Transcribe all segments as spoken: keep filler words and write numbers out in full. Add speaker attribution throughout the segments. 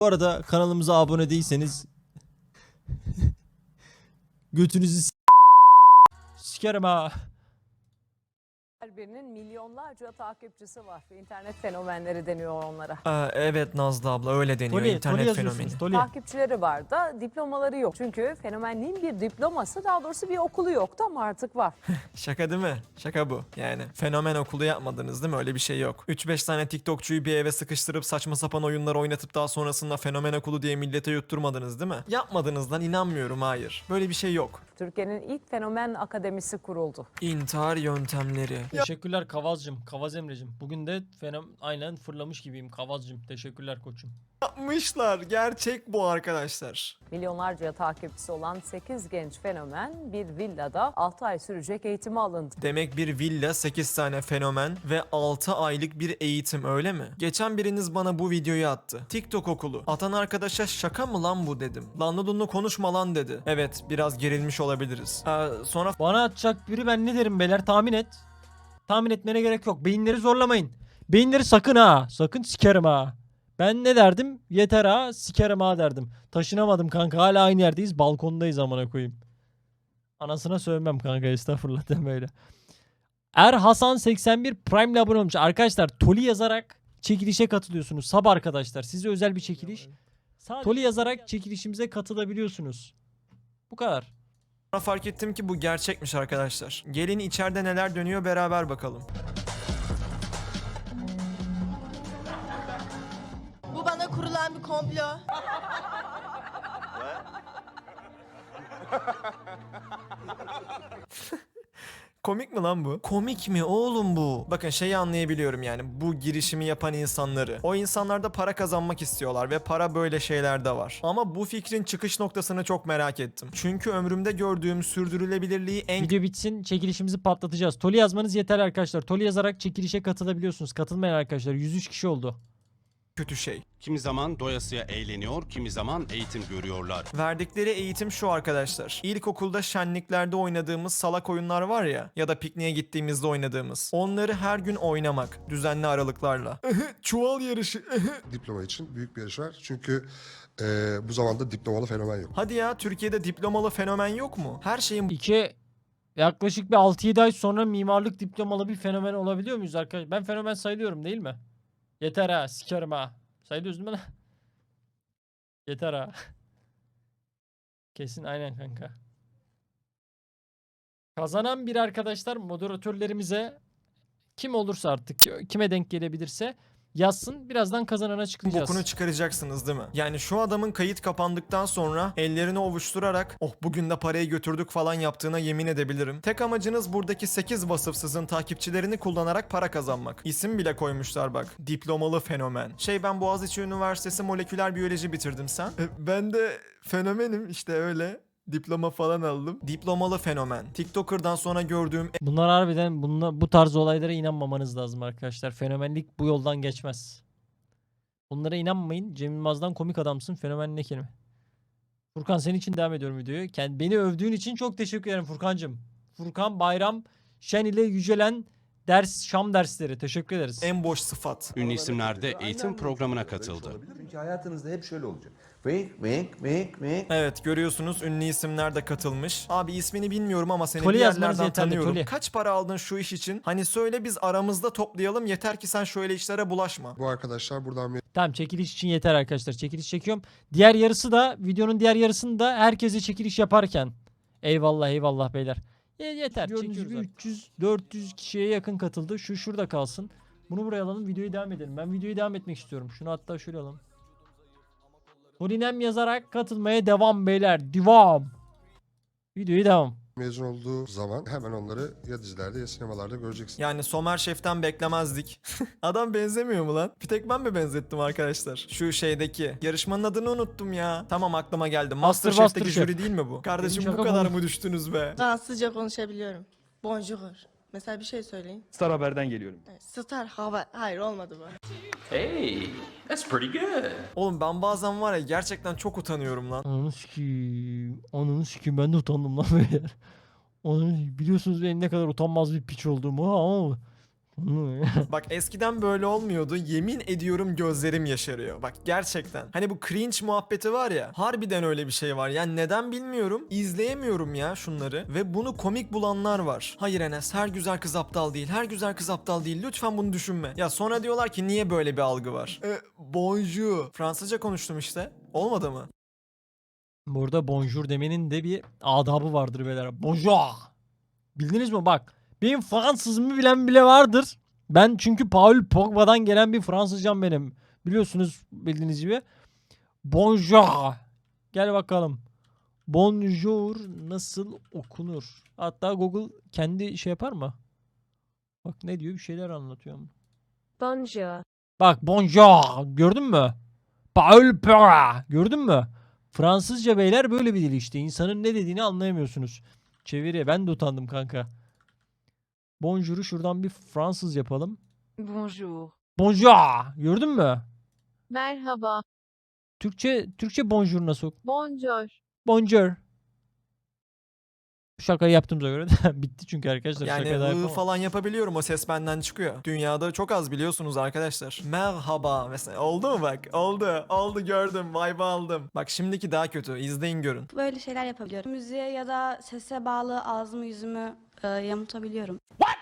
Speaker 1: Bu arada kanalımıza abone değilseniz götünüzü s- sikerim ha.
Speaker 2: Her birinin milyonlarca takipçisi var. İnternet fenomenleri deniyor onlara.
Speaker 3: Aa, evet Nazlı abla öyle deniyor
Speaker 1: Toli, Toli
Speaker 3: internet fenomeni.
Speaker 1: yazıyorsunuz. Toli.
Speaker 2: Takipçileri var da diplomaları yok. Çünkü fenomenliğin bir diploması, daha doğrusu bir okulu yoktu ama artık var.
Speaker 3: Şaka değil mi? Şaka bu. Yani fenomen okulu yapmadınız değil mi? Öyle bir şey yok. üç beş tane TikTokçuyu bir eve sıkıştırıp saçma sapan oyunlar oynatıp daha sonrasında fenomen okulu diye millete yutturmadınız değil mi? Yapmadınız lan, inanmıyorum, hayır. Böyle bir şey yok.
Speaker 2: Türkiye'nin ilk fenomen akademisi kuruldu.
Speaker 3: İntihar yöntemleri.
Speaker 1: Teşekkürler Kavazcım. Kavaz Emre'cim. Bugün de fenom aynen fırlamış gibiyim Kavazcım. Teşekkürler koçum.
Speaker 3: Yapmışlar. Gerçek bu arkadaşlar.
Speaker 2: Milyonlarca takipçisi olan sekiz genç fenomen bir villada altı ay sürecek eğitime alındı.
Speaker 3: Demek bir villa, sekiz tane fenomen ve altı aylık bir eğitim, öyle mi? Geçen biriniz bana bu videoyu attı. TikTok okulu. Atan arkadaşa şaka mı lan bu dedim. Lanlı dunlu konuşma lan dedi. Evet, biraz gerilmiş olabiliriz. Ee, sonra
Speaker 1: Bana atacak biri, ben ne derim beyler, tahmin et. Tahmin etmene gerek yok. Beyinleri zorlamayın. Beyinleri sakın ha. Sakın sikerim ha. Ben ne derdim? Yeter ha, sikerim ha derdim. Taşınamadım kanka, hala aynı yerdeyiz. Balkondayız amına koyayım. Anasına sövmem kanka, estağfurullah deme öyle. Er Hasan seksen bir Prime ile abone olmuş. Arkadaşlar Toli yazarak çekilişe katılıyorsunuz. Sab arkadaşlar, size özel bir çekiliş. Toli yazarak çekilişimize katılabiliyorsunuz. Bu kadar.
Speaker 3: fark ettim ki bu gerçekmiş arkadaşlar. Gelin içeride neler dönüyor beraber bakalım.
Speaker 4: Bu bana kurulan bir komplo.
Speaker 3: Komik mi lan bu? Komik mi oğlum bu? Bakın şeyi anlayabiliyorum yani, bu girişimi yapan insanları. O insanlar da para kazanmak istiyorlar ve para böyle şeylerde var. Ama bu fikrin çıkış noktasını çok merak ettim. Çünkü ömrümde gördüğüm sürdürülebilirliği en
Speaker 1: Video bitsin, çekilişimizi patlatacağız. Toli yazmanız yeterli arkadaşlar. Toli yazarak çekilişe katılabiliyorsunuz. Katılmayan arkadaşlar yüz üç kişi oldu.
Speaker 3: kötü şey.
Speaker 5: Kimi zaman doyasıya eğleniyor, kimi zaman eğitim görüyorlar.
Speaker 3: Verdikleri eğitim şu arkadaşlar. İlkokulda şenliklerde oynadığımız salak oyunlar var ya, ya da pikniğe gittiğimizde oynadığımız. Onları her gün oynamak düzenli aralıklarla. Çuval yarışı.
Speaker 6: Diploma için büyük bir yarış var. Çünkü e, bu zamanda diplomalı fenomen yok.
Speaker 3: Hadi ya, Türkiye'de diplomalı fenomen yok mu? Her şeyin
Speaker 1: İki, yaklaşık bir altı yedi ay sonra mimarlık diplomalı bir fenomen olabiliyor muyuz arkadaşlar? Ben fenomen sayılıyorum değil mi? Yeter ha, sikerim ha. Sayılıyoruz değil mi lan? Yeter ha. Kesin aynen kanka. Kazanan bir arkadaşlar moderatörlerimize, kim olursa artık, kime denk gelebilirse yazsın. Birazdan kazananı açıklayacağız.
Speaker 3: bokunu çıkaracaksınız değil mi? Yani şu adamın kayıt kapandıktan sonra ellerini ovuşturarak oh bugün de parayı götürdük falan yaptığına yemin edebilirim. Tek amacınız buradaki sekiz vasıfsızın takipçilerini kullanarak para kazanmak. İsim bile koymuşlar bak. Diplomalı fenomen. Şey, ben Boğaziçi Üniversitesi moleküler biyoloji bitirdim, sen? E, ben de fenomenim işte, öyle. Diploma falan aldım. Diplomalı fenomen. TikToker'dan sonra gördüğüm
Speaker 1: Bunlar harbiden, bunlar, bu tarz olaylara inanmamanız lazım arkadaşlar. Fenomenlik bu yoldan geçmez. Bunlara inanmayın. Cem Yılmaz'dan komik adamsın. Fenomen ne kelime? Furkan, senin için devam ediyorum videoyu. Kend- Beni övdüğün için çok teşekkür ederim Furkancığım. Furkan Bayram Şen ile yücelen ders, Şam dersleri. Teşekkür ederiz.
Speaker 3: en boş sıfat.
Speaker 5: Ünlü isimler de eğitim programına katıldı.
Speaker 7: Çünkü hayatınızda hep şöyle olacak. Wink, wink, wink, wink.
Speaker 3: Evet, görüyorsunuz ünlü isimler de katılmış. Abi ismini bilmiyorum ama seni
Speaker 1: Toli
Speaker 3: bir
Speaker 1: yazmanız
Speaker 3: yerlerden
Speaker 1: yeterli,
Speaker 3: tanıyorum.
Speaker 1: Toli.
Speaker 3: Kaç para aldın şu iş için? Hani söyle, biz aramızda toplayalım, yeter ki sen şöyle işlere bulaşma.
Speaker 6: Bu arkadaşlar buradan
Speaker 1: Tamam, çekiliş için yeter arkadaşlar. Çekiliş çekiyorum. Diğer yarısı da, videonun diğer yarısını da herkese çekiliş yaparken. Eyvallah eyvallah beyler. Ye- yeter. Gördüğünüz gibi üç yüz dört yüz kişiye yakın katıldı. Şu şurada kalsın. Bunu buraya alalım, videoyu devam edelim. Ben videoyu devam etmek istiyorum. Şunu hatta şöyle alalım. Polinem yazarak katılmaya devam beyler. Devam. Videoyu devam.
Speaker 6: mezun olduğu zaman hemen onları ya dizilerde ya sinemalarda göreceksin.
Speaker 3: Yani Somer Şef'ten beklemezdik. Adam benzemiyor mu lan? Bir tek ben mi benzettim arkadaşlar? Şu şeydeki. Yarışmanın adını unuttum ya. Tamam, aklıma geldi.
Speaker 1: Master
Speaker 3: Masterchef'teki
Speaker 1: Master
Speaker 3: jüri değil mi bu? Kardeşim,
Speaker 1: Benim
Speaker 3: bu
Speaker 1: şaka
Speaker 3: kadar
Speaker 1: bu.
Speaker 3: mı düştünüz be?
Speaker 4: Fransızca konuşabiliyorum. Bonjour. Mesela bir şey söyleyin.
Speaker 8: Star Haber'den geliyorum.
Speaker 4: Evet, Star hava. Hayır, olmadı bu.
Speaker 9: Hey, that's pretty good.
Speaker 3: Oğlum ben bazen var ya, gerçekten çok utanıyorum lan.
Speaker 1: Ananı sikiyim. Ananı sikiyim, ben de utandım lan beyler. Ananı, biliyorsunuz benim ne kadar utanmaz bir piç olduğumu ama
Speaker 3: Bak eskiden böyle olmuyordu. Yemin ediyorum gözlerim yaşarıyor. Bak gerçekten. Hani bu cringe muhabbeti var ya. Harbiden öyle bir şey var. Yani neden bilmiyorum. İzleyemiyorum ya şunları. Ve bunu komik bulanlar var. Hayır Enes, her güzel kız aptal değil. Her güzel kız aptal değil. Lütfen bunu düşünme. Ya sonra diyorlar ki niye böyle bir algı var? E, bonjour. Fransızca konuştum işte. Olmadı mı?
Speaker 1: Burada bonjour demenin de bir adabı vardır beyler. Bonjour. Bildiniz mi? Bak. Benim Fransızımı bilen bile vardır. Ben çünkü Paul Pogba'dan gelen bir Fransızcam benim. Biliyorsunuz bildiğiniz gibi. Bonjour. Gel bakalım. Bonjour nasıl okunur? Hatta Google kendi şey yapar mı? Bak ne diyor, bir şeyler anlatıyor.
Speaker 8: Bonjour.
Speaker 1: Bak bonjour gördün mü? Paul Pogba gördün mü? Fransızca beyler böyle bir dil işte. İnsanın ne dediğini anlayamıyorsunuz. Çeviri, ben de utandım kanka. Bonjour'u şuradan bir Fransız yapalım.
Speaker 8: Bonjour.
Speaker 1: Bonjour gördün mü?
Speaker 8: Merhaba.
Speaker 1: Türkçe Türkçe bonjour nasıl?
Speaker 8: Bonjour.
Speaker 1: Bonjour. Şakayı yaptığımıza göre de bitti çünkü arkadaşlar.
Speaker 3: Yani
Speaker 1: şaka da
Speaker 3: ı
Speaker 1: yapamam.
Speaker 3: falan yapabiliyorum, o ses benden çıkıyor. Dünyada çok az biliyorsunuz arkadaşlar. Merhaba mesela, oldu mu bak? Oldu, oldu, gördüm, vibe aldım. Bak şimdiki daha kötü, izleyin görün.
Speaker 4: Böyle şeyler yapabiliyorum. Müziğe ya da sese bağlı ağzımı yüzümü e, yamultabiliyorum.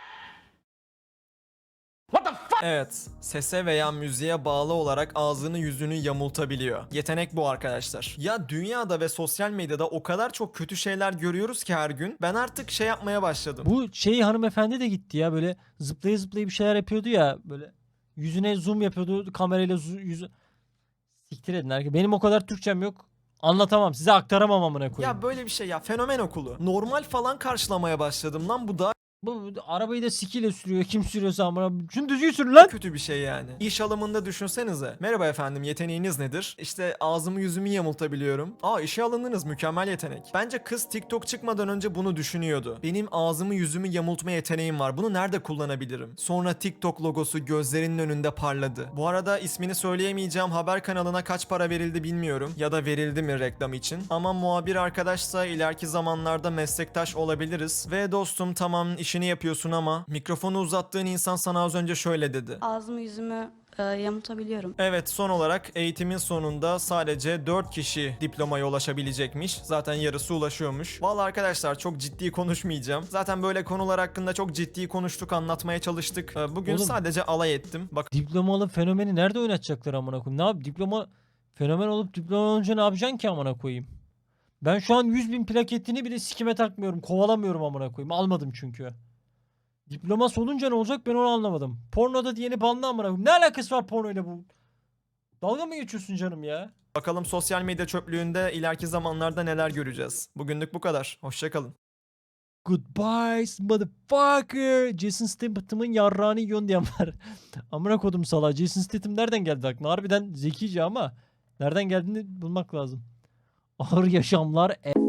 Speaker 3: Evet, sese veya müziğe bağlı olarak ağzını yüzünü yamultabiliyor. Yetenek bu arkadaşlar. Ya dünyada ve sosyal medyada o kadar çok kötü şeyler görüyoruz ki her gün. Ben artık şey yapmaya başladım.
Speaker 1: Bu şey hanımefendi de gitti ya, böyle zıplaya zıplaya bir şeyler yapıyordu ya, böyle yüzüne zoom yapıyordu kamerayla, zu- yüzü siktir edin herkes. Benim o kadar Türkçem yok. Anlatamam. Size aktaramam amına koyayım.
Speaker 3: Ya böyle bir şey ya, fenomen okulu. Normal falan karşılamaya başladım lan, bu daha
Speaker 1: Bu, bu arabayı da sikiyle sürüyor. Kim sürüyorsa amına. Şunu düzgün sür lan.
Speaker 3: kötü bir şey yani. İş alımında düşünsenize. Merhaba efendim, yeteneğiniz nedir? İşte ağzımı yüzümü yamultabiliyorum. Aa, işe alındınız, mükemmel yetenek. Bence kız TikTok çıkmadan önce bunu düşünüyordu. Benim ağzımı yüzümü yamultma yeteneğim var. Bunu nerede kullanabilirim? Sonra TikTok logosu gözlerinin önünde parladı. Bu arada ismini söyleyemeyeceğim haber kanalına kaç para verildi bilmiyorum. Ya da verildi mi reklam için. Ama muhabir arkadaşsa ileriki zamanlarda meslektaş olabiliriz. Ve dostum tamam işini yapıyorsun ama mikrofonu uzattığın insan sana az önce şöyle dedi.
Speaker 4: Ağzımı yüzümü e, yamultabiliyorum.
Speaker 3: Evet, son olarak eğitimin sonunda sadece dört kişi diplomaya ulaşabilecekmiş. Zaten yarısı ulaşıyormuş. Vallahi arkadaşlar çok ciddi konuşmayacağım. Zaten böyle konular hakkında çok ciddi konuştuk, anlatmaya çalıştık. Ee, Bugün
Speaker 1: Oğlum.
Speaker 3: sadece alay ettim. Bak
Speaker 1: Diplomalı fenomeni nerede oynatacaklar amına koyayım? Ne yap? Diploma fenomen olup diploma olunca ne yapacaksın ki amına koyayım? Ben şu an yüz bin plaketini bile sikime takmıyorum. Kovalamıyorum amına koyayım. Almadım çünkü. Diploması olunca ne olacak ben onu anlamadım. Pornoda diyeni banlı amına koyayım. Ne alakası var pornoyla bu? Dalga mı geçiyorsun canım ya?
Speaker 3: bakalım sosyal medya çöplüğünde ileriki zamanlarda neler göreceğiz. Bugünlük bu kadar. Hoşçakalın.
Speaker 1: Goodbye motherfucker. Jason Statham'ın yarrağını yiyorsun diyen var. Amına kodum salağı. Jason Statham nereden geldi aklına? Harbiden zekice ama nereden geldiğini bulmak lazım. Ağır yaşamlar. E-